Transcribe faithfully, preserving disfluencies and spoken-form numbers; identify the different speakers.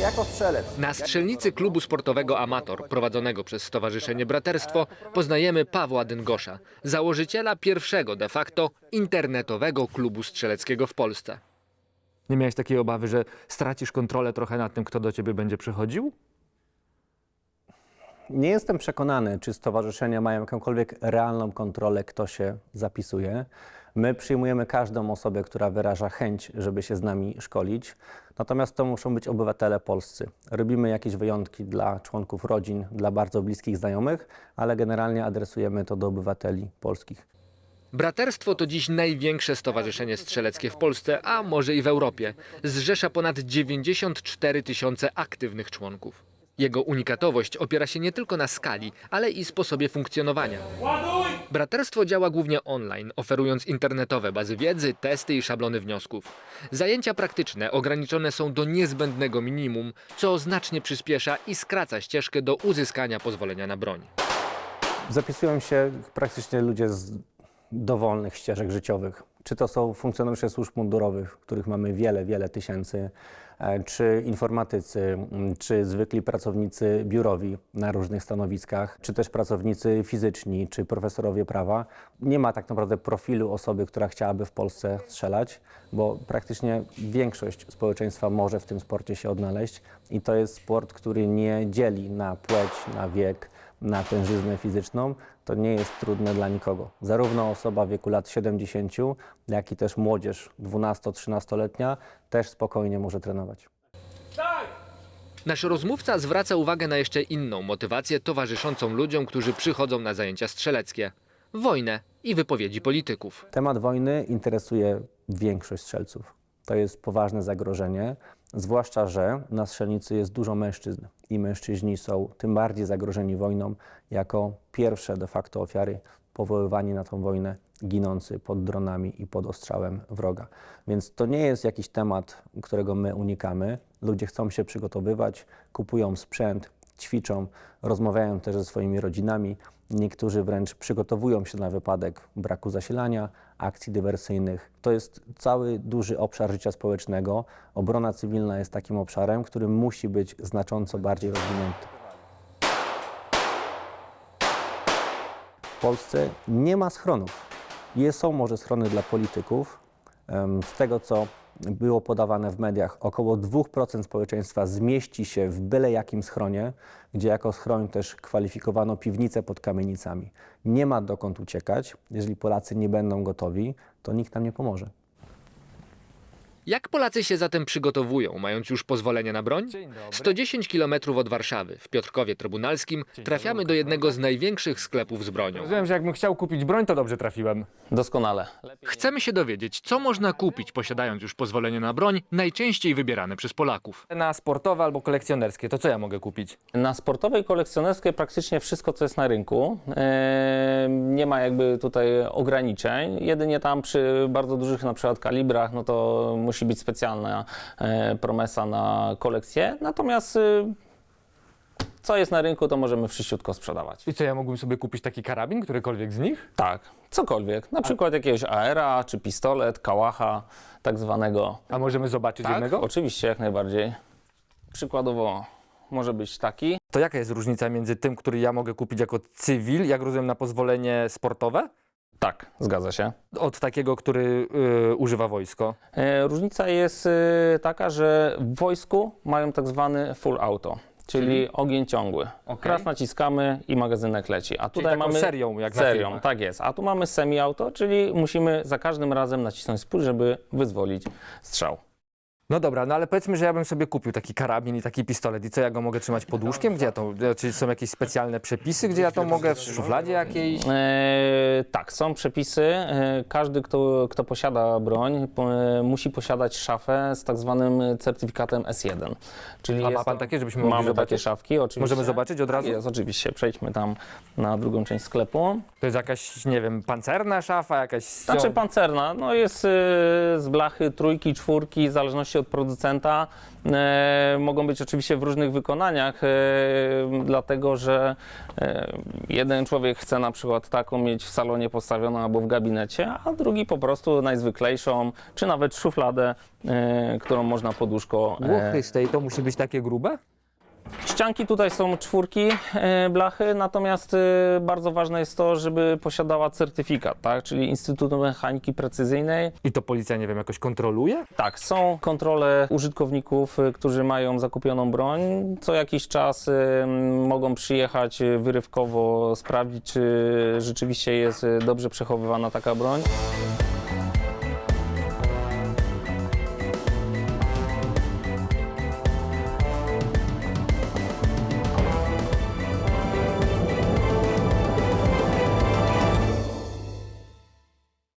Speaker 1: jako strzelec.
Speaker 2: Na strzelnicy klubu sportowego Amator, prowadzonego przez Stowarzyszenie Braterstwo, poznajemy Pawła Dyngosza, założyciela pierwszego de facto internetowego klubu strzeleckiego w Polsce.
Speaker 3: Nie miałeś takiej obawy, że stracisz kontrolę trochę nad tym, kto do ciebie będzie przychodził?
Speaker 1: Nie jestem przekonany, czy stowarzyszenia mają jakąkolwiek realną kontrolę, kto się zapisuje. My przyjmujemy każdą osobę, która wyraża chęć, żeby się z nami szkolić. Natomiast to muszą być obywatele polscy. Robimy jakieś wyjątki dla członków rodzin, dla bardzo bliskich znajomych, ale generalnie adresujemy to do obywateli polskich.
Speaker 2: Braterstwo to dziś największe stowarzyszenie strzeleckie w Polsce, a może i w Europie. Zrzesza ponad dziewięćdziesiąt cztery tysiące aktywnych członków. Jego unikatowość opiera się nie tylko na skali, ale i sposobie funkcjonowania. Braterstwo działa głównie online, oferując internetowe bazy wiedzy, testy i szablony wniosków. Zajęcia praktyczne ograniczone są do niezbędnego minimum, co znacznie przyspiesza i skraca ścieżkę do uzyskania pozwolenia na broń.
Speaker 1: Zapisują się praktycznie ludzie z dowolnych ścieżek życiowych. Czy to są funkcjonariusze służb mundurowych, których mamy wiele, wiele tysięcy, czy informatycy, czy zwykli pracownicy biurowi na różnych stanowiskach, czy też pracownicy fizyczni, czy profesorowie prawa. Nie ma tak naprawdę profilu osoby, która chciałaby w Polsce strzelać, bo praktycznie większość społeczeństwa może w tym sporcie się odnaleźć i to jest sport, który nie dzieli na płeć, na wiek, na tężyznę fizyczną. To nie jest trudne dla nikogo. Zarówno osoba w wieku lat siedemdziesięciu, jak i też młodzież dwunasto-trzynastoletnia też spokojnie może trenować.
Speaker 2: Nasz rozmówca zwraca uwagę na jeszcze inną motywację towarzyszącą ludziom, którzy przychodzą na zajęcia strzeleckie. Wojnę i wypowiedzi polityków.
Speaker 1: Temat wojny interesuje większość strzelców. To jest poważne zagrożenie, zwłaszcza że na strzelnicy jest dużo mężczyzn i mężczyźni są tym bardziej zagrożeni wojną jako pierwsze de facto ofiary powoływani na tą wojnę, ginący pod dronami i pod ostrzałem wroga. Więc to nie jest jakiś temat, którego my unikamy. Ludzie chcą się przygotowywać, kupują sprzęt, ćwiczą, rozmawiają też ze swoimi rodzinami. Niektórzy wręcz przygotowują się na wypadek braku zasilania, akcji dywersyjnych. To jest cały duży obszar życia społecznego. Obrona cywilna jest takim obszarem, który musi być znacząco bardziej rozwinięty. W Polsce nie ma schronów. Jest, są może schrony dla polityków. Z tego, co było podawane w mediach, około dwa procent społeczeństwa zmieści się w byle jakim schronie, gdzie jako schroń też kwalifikowano piwnice pod kamienicami. Nie ma dokąd uciekać. Jeżeli Polacy nie będą gotowi, to nikt nam nie pomoże.
Speaker 2: Jak Polacy się zatem przygotowują, mając już pozwolenie na broń? sto dziesięć kilometrów od Warszawy, w Piotrkowie Trybunalskim, trafiamy do jednego z największych sklepów z bronią.
Speaker 3: Rozumiem, że jakbym chciał kupić broń, to dobrze trafiłem.
Speaker 4: Doskonale.
Speaker 2: Chcemy się dowiedzieć, co można kupić, posiadając już pozwolenie na broń, najczęściej wybierane przez Polaków.
Speaker 3: Na sportowe albo kolekcjonerskie, to co ja mogę kupić?
Speaker 4: Na sportowej i kolekcjonerskiej praktycznie wszystko, co jest na rynku. Eee, nie ma jakby tutaj ograniczeń. Jedynie tam przy bardzo dużych na przykład kalibrach, no to musi być specjalna e, promesa na kolekcję. Natomiast e, co jest na rynku, to możemy wszyściutko sprzedawać.
Speaker 3: I co, ja mógłbym sobie kupić taki karabin, którykolwiek z nich?
Speaker 4: Tak, cokolwiek. Na przykład jakiegoś aera, czy pistolet, kałacha, tak zwanego.
Speaker 3: A możemy zobaczyć
Speaker 4: Tak,
Speaker 3: jednego?
Speaker 4: oczywiście, jak najbardziej. Przykładowo może być taki.
Speaker 3: To jaka jest różnica między tym, który ja mogę kupić jako cywil, jak rozumiem, na pozwolenie sportowe,
Speaker 4: Tak, zgadza się.
Speaker 3: od takiego, który y, używa wojsko?
Speaker 4: E, różnica jest e, taka, że w wojsku mają tak zwany full auto, czyli,
Speaker 3: Czyli?
Speaker 4: ogień ciągły.
Speaker 3: Okej.
Speaker 4: Raz naciskamy i magazynek leci. A
Speaker 3: Czyli
Speaker 4: tutaj
Speaker 3: taką
Speaker 4: mamy
Speaker 3: serią, jak na
Speaker 4: serią,
Speaker 3: filmach.
Speaker 4: tak jest. A tu mamy semi-auto, czyli musimy za każdym razem nacisnąć spust, żeby wyzwolić strzał.
Speaker 3: No dobra, no ale powiedzmy, że ja bym sobie kupił taki karabin i taki pistolet. I co, ja go mogę trzymać pod łóżkiem? Gdzie ja to, czy są jakieś specjalne przepisy, gdzie ja to mogę w szufladzie jakiejś?
Speaker 4: E, tak, są przepisy. E, każdy, kto, kto posiada broń, po, e, musi posiadać szafę z tak zwanym certyfikatem S jeden. Czyli
Speaker 3: A ma
Speaker 4: jest
Speaker 3: pan
Speaker 4: to-
Speaker 3: takie, żebyśmy mogli
Speaker 4: Mamy
Speaker 3: zobaczyć?
Speaker 4: takie szafki, oczywiście.
Speaker 3: Możemy zobaczyć od razu?
Speaker 4: Jest, oczywiście. Przejdźmy tam na drugą część sklepu.
Speaker 3: To jest jakaś, nie wiem, pancerna szafa, jakaś...
Speaker 4: Znaczy pancerna, no jest y, z blachy trójki, czwórki, w zależności zależności od producenta. E, mogą być oczywiście w różnych wykonaniach, e, dlatego że e, jeden człowiek chce na przykład taką mieć w salonie postawioną albo w gabinecie, a drugi po prostu najzwyklejszą, czy nawet szufladę, e, którą można pod łóżko. e,
Speaker 3: Łuchy z tej to musi być takie grube?
Speaker 4: Ścianki tutaj są czwórki e, blachy, natomiast e, bardzo ważne jest to, żeby posiadała certyfikat, tak? Czyli Instytutu Mechaniki Precyzyjnej.
Speaker 3: I to policja, nie wiem, jakoś kontroluje?
Speaker 4: Tak, są kontrole użytkowników, e, którzy mają zakupioną broń. Co jakiś czas e, mogą przyjechać e, wyrywkowo, sprawdzić, czy rzeczywiście jest e, dobrze przechowywana taka broń.